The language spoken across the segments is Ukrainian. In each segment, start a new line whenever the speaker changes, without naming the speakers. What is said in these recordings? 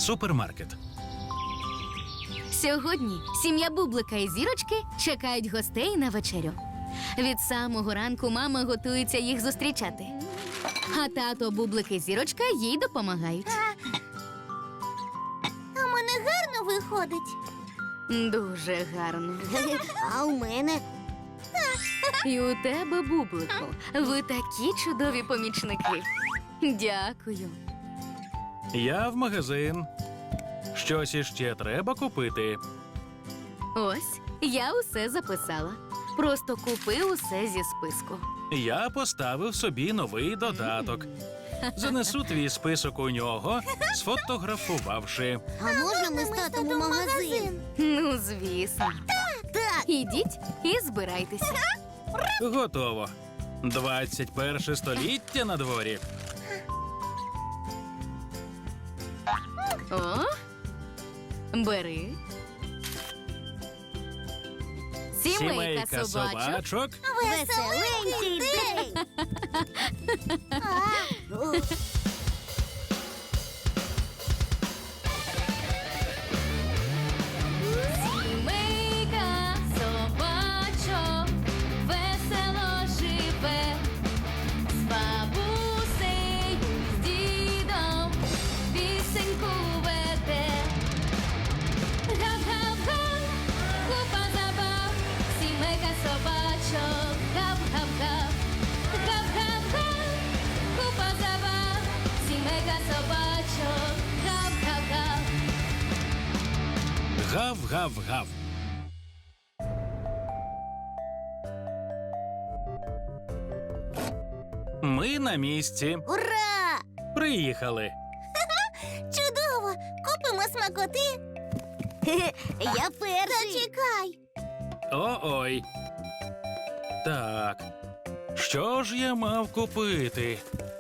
супермаркет.
Сьогодні сім'я Бублика і Зірочки чекають гостей на вечерю. Від самого ранку мама готується їх зустрічати. А тато, Бублик і Зірочка їй допомагають.
А в мене гарно виходить.
Дуже гарно.
А у мене?
І у тебе, Бублику, ви такі чудові помічники. Дякую.
Я в магазин. Щось іще треба купити.
Ось, я усе записала. Просто купи усе зі списку.
Я поставив собі новий додаток. Занесу твій список у нього, сфотографувавши.
А можна ми з татом у магазин?
Ну, звісно.
Так.
Ідіть і збирайтеся.
Готово. 21 століття на дворі.
О, бери. Сімейка собачок.
Веселенький день!
Сімейка собачок весело живе, з бабусею, з дідом пісеньку веде. Гав-гав-га, купа забав, сімейка собачок, гав-гав-гав. Гав-гав-га, купа забав, сімейка собачок, гав-гав-гав.
Гав-гав-гав. Ми на місці.
Ура!
Приїхали.
Чудово! Купимо смакоти. Я перший. Зачекай.
О-ой. Так. Що ж я мав купити?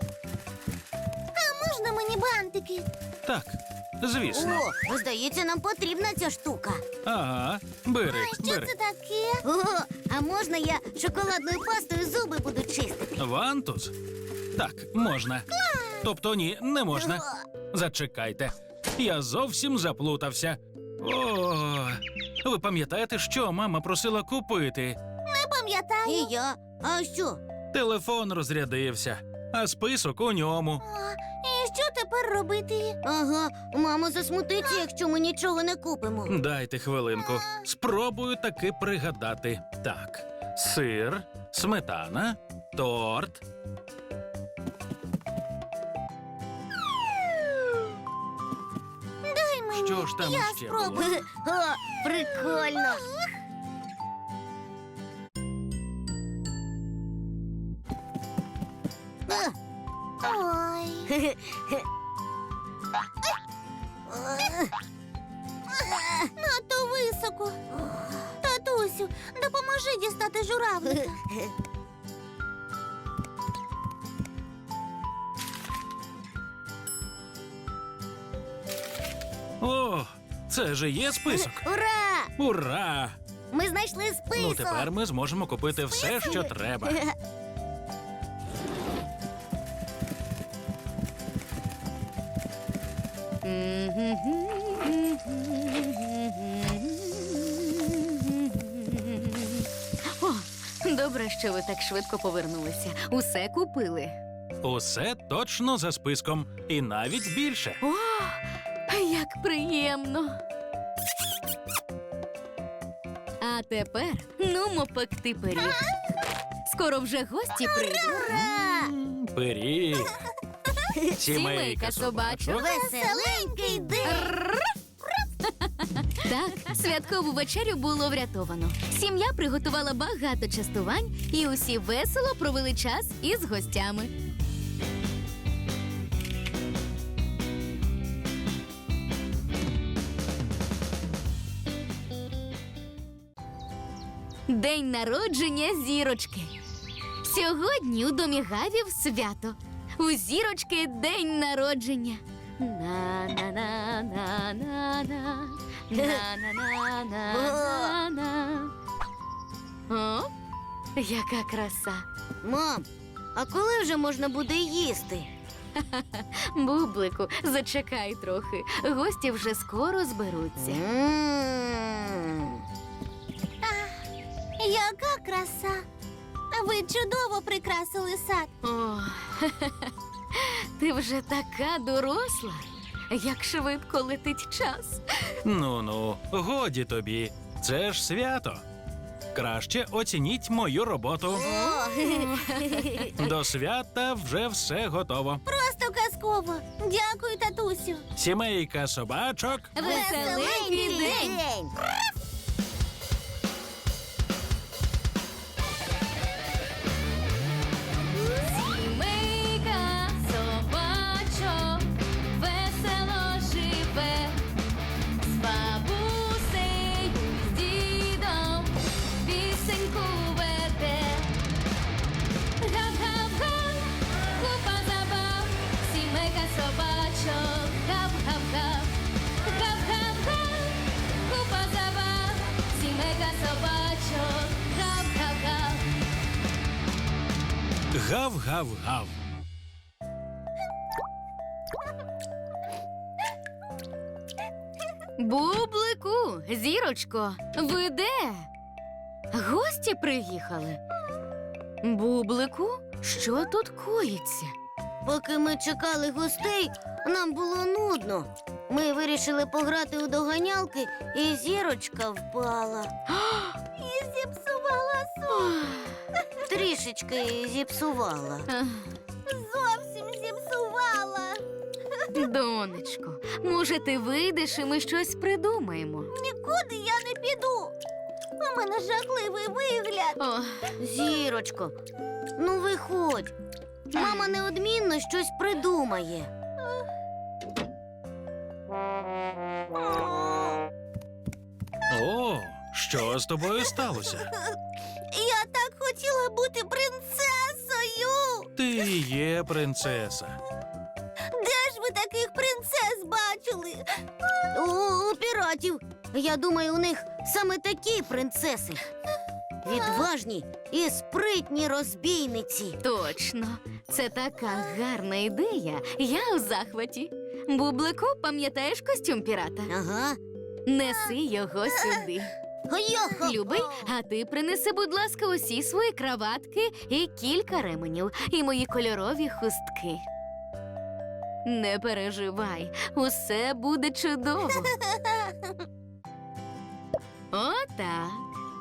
А можна мені бантики?
Так, звісно.
О, здається, нам потрібна ця штука.
Ага, бери,
Що
бери.
це таке? О, а можна я шоколадною пастою зуби буду чистити?
Вантус? Так, можна. Тобто ні, не можна. Зачекайте. Я зовсім заплутався. О, ви пам'ятаєте, що мама просила купити?
Не пам'ятаю. І я. А що?
Телефон розрядився, а список у ньому.
І що тепер робити? Ага, мама засмутиться, якщо ми нічого не купимо.
Дайте хвилинку. Спробую таки пригадати. Так, сир, сметана, торт.
Дай мені.
Що ж там
я
ще
спробую.
було?
О, прикольно. Ой. Надто високо. Татусю, допоможи дістати журавлика.
О, це же є список.
Ура!
Ура!
Ми знайшли список.
Ну, тепер ми зможемо купити все, що треба.
О, добре, що ви так швидко повернулися. Усе купили.
Усе точно за списком. І навіть більше.
О, як приємно. А тепер нумо пекти пиріг. Скоро вже гості прийдуть.
Ура!
Пиріг.
Сімейка собачок.
Веселенький день!
Так, святкову вечерю було врятовано. Сім'я приготувала багато частувань, і усі весело провели час із гостями. День народження Зірочки. Сьогодні у домі Гавів свято. У Зірочки день народження. На-на-на-на-на-на. На-на-на-на-на-на. О, яка краса.
Мам, а коли вже можна буде їсти?
Бублику, зачекай трохи. Гості вже скоро зберуться.
Яка краса! Ви чудово прикрасили сад.
О, ти вже така доросла. Як швидко летить час.
Ну-ну, годі тобі. Це ж свято. Краще оцініть мою роботу. До свята вже все готово.
Просто казково. Дякую, татусю.
Сімейка собачок.
Веселенький день! Сімейка собачок весело живе, з бабусею, з дідом пісеньку веде. Гап-гап-га, купа забав, сімейка собачок, гап-гап-га. Гап-гап-га, купа забав, сімейка собачок, гап-гап-га.
Гав-гав-гав.
Бублику, зірочко, ви де? Гості приїхали. Бублику, що тут коїться?
Поки ми чекали гостей, нам було нудно. Ми вирішили пограти у доганялки, і зірочка впала. І зіпсувала сон. Трішечки зіпсувала.
Ах,
Зовсім зіпсувала.
Донечко, може, ти вийдеш і ми щось придумаємо?
Нікуди я не піду. У мене жахливий вигляд.
О,
Зірочко, ну виходь. Мама неодмінно щось придумає.
О, що з тобою сталося?
Я так хотіла бути принцесою.
Ти є принцеса.
Де ж ви таких принцес бачили? У піратів. Я думаю, у них саме такі принцеси. Відважні і спритні розбійниці.
точно, це така гарна ідея. Я у захваті. Бублику, пам'ятаєш костюм пірата?
Ага.
Неси його сюди.
Йо-хо-хо.
Любий, а ти принеси, будь ласка, усі свої краватки і кілька ременів, і мої кольорові хустки. Не переживай, усе буде чудово. Отак.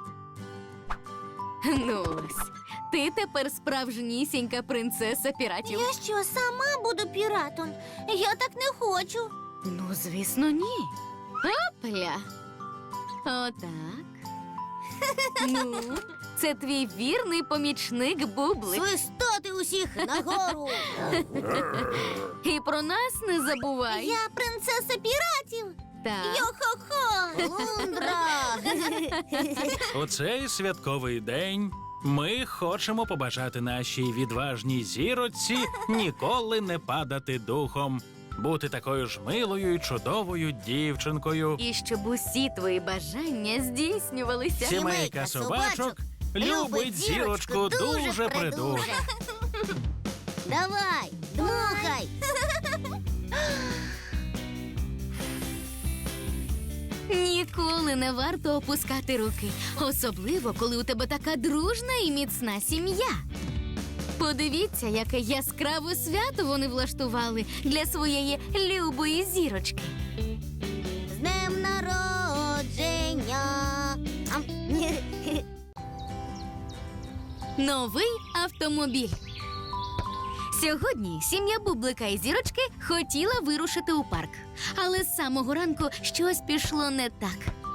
Ну ось, ти тепер справжнісінька принцеса піратів.
Я що, сама буду піратом? Я так не хочу.
Ну, звісно, ні. Опля. Отак. Ну, це твій вірний помічник Бублик.
Свистати усіх нагору.
І про нас не забувай.
Я принцеса піратів.
Так.
Йо-хо-хо. Лундра.
У цей святковий день ми хочемо побажати нашій відважній зіроці ніколи не падати духом, бути такою ж милою і чудовою дівчинкою.
І щоб усі твої бажання здійснювалися.
Сімейка собачок любить зірочку дуже придуже.
Давай, дмухай.
Ніколи не варто опускати руки, особливо, коли у тебе така дружна і міцна сім'я. Подивіться, яке яскраве свято вони влаштували для своєї любої зірочки.
З днем народження. Ам.
Новий автомобіль. Сьогодні сім'я Бублика і Зірочки хотіла вирушити у парк. Але з самого ранку щось пішло не так.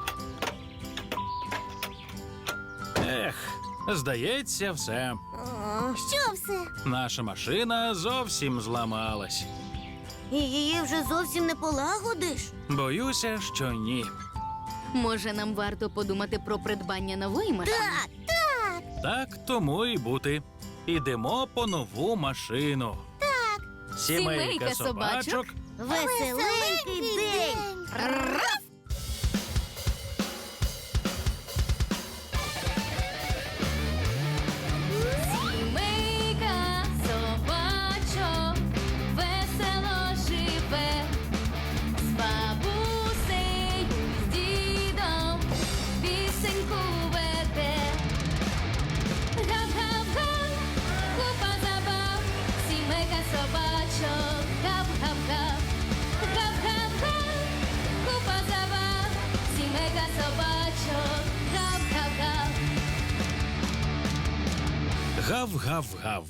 Ех, здається, все.
Що все?
Наша машина зовсім зламалась.
І її вже зовсім не полагодиш?
Боюся, що ні.
Може, нам варто подумати про придбання нової машини?
Так,
Так тому і бути. Ідемо по нову машину. Так.
Сімейка собачок.
веселенький день.
Сімейка собачок
Гав-гав-гав.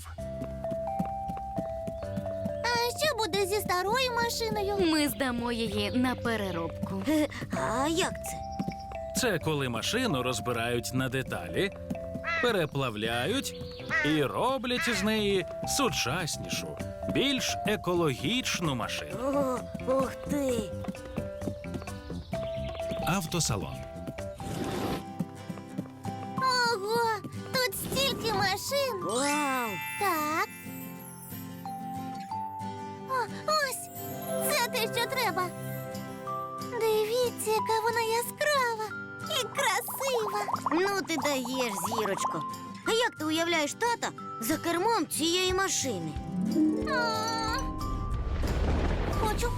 А що буде зі старою машиною?
Ми здамо її на переробку.
А як це?
Це коли машину розбирають на деталі, переплавляють і роблять із неї сучаснішу, більш екологічну машину.
О, ух ти!
Автосалон.
Ого, тут стільки машин.
Вау!
Так. О, ось, це те, що треба. Дивіться, яка вона яскрава і красива.
Ну ти даєш, зірочко. А як ти уявляєш тата за кермом цієї машини?
Хочу.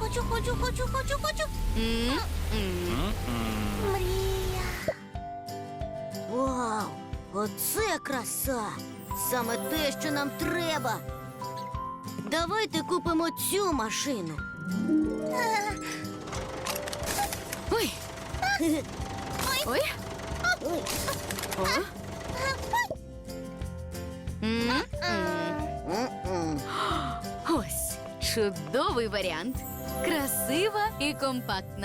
М-м.
Мрія.
Вау! Оце краса! Саме те, що нам треба. Давайте купимо цю машину.
Ой. Ой.
Ой.
О. М-м.
М-м.
Ось чудовий варіант. Красива і компактна.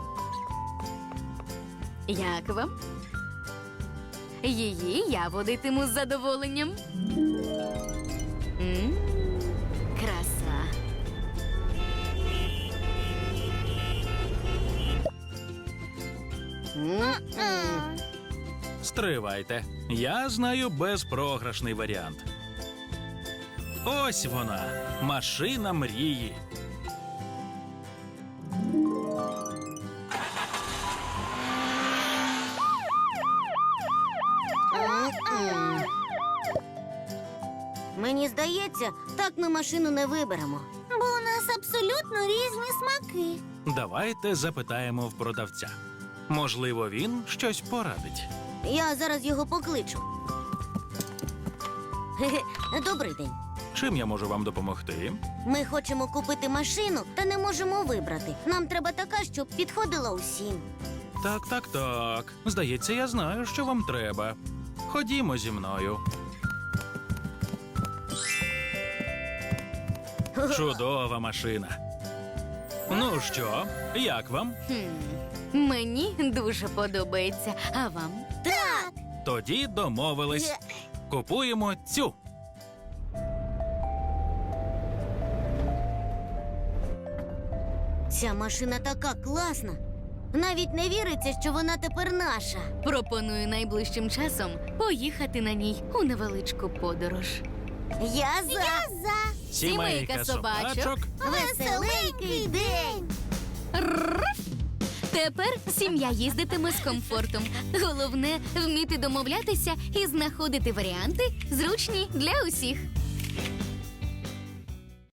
Як вам? Її я водитиму з задоволенням. Краса.
М-м.
Стривайте. Я знаю безпрограшний варіант. Ось вона, машина мрії.
М-м. Мені здається, так ми машину не виберемо.
Бо у нас абсолютно різні смаки.
Давайте запитаємо в продавця. Можливо, він щось порадить.
Я зараз його покличу. Хе-хе. Добрий день.
Чим я можу вам допомогти?
Ми хочемо купити машину, та не можемо вибрати. Нам треба така, щоб підходила усім.
Так. Здається, я знаю, що вам треба. Ходімо зі мною. Чудова машина. Ну що, як вам?
Мені дуже подобається. А вам?
Так!
Тоді домовились. Купуємо цю.
Ця машина така класна. Навіть не віриться, що вона тепер наша.
Пропоную найближчим часом поїхати на ній у невеличку подорож.
Я за
Сімейка собачок.
веселенький день.
Тепер сім'я їздитиме з комфортом. Головне вміти домовлятися і знаходити варіанти, зручні для усіх.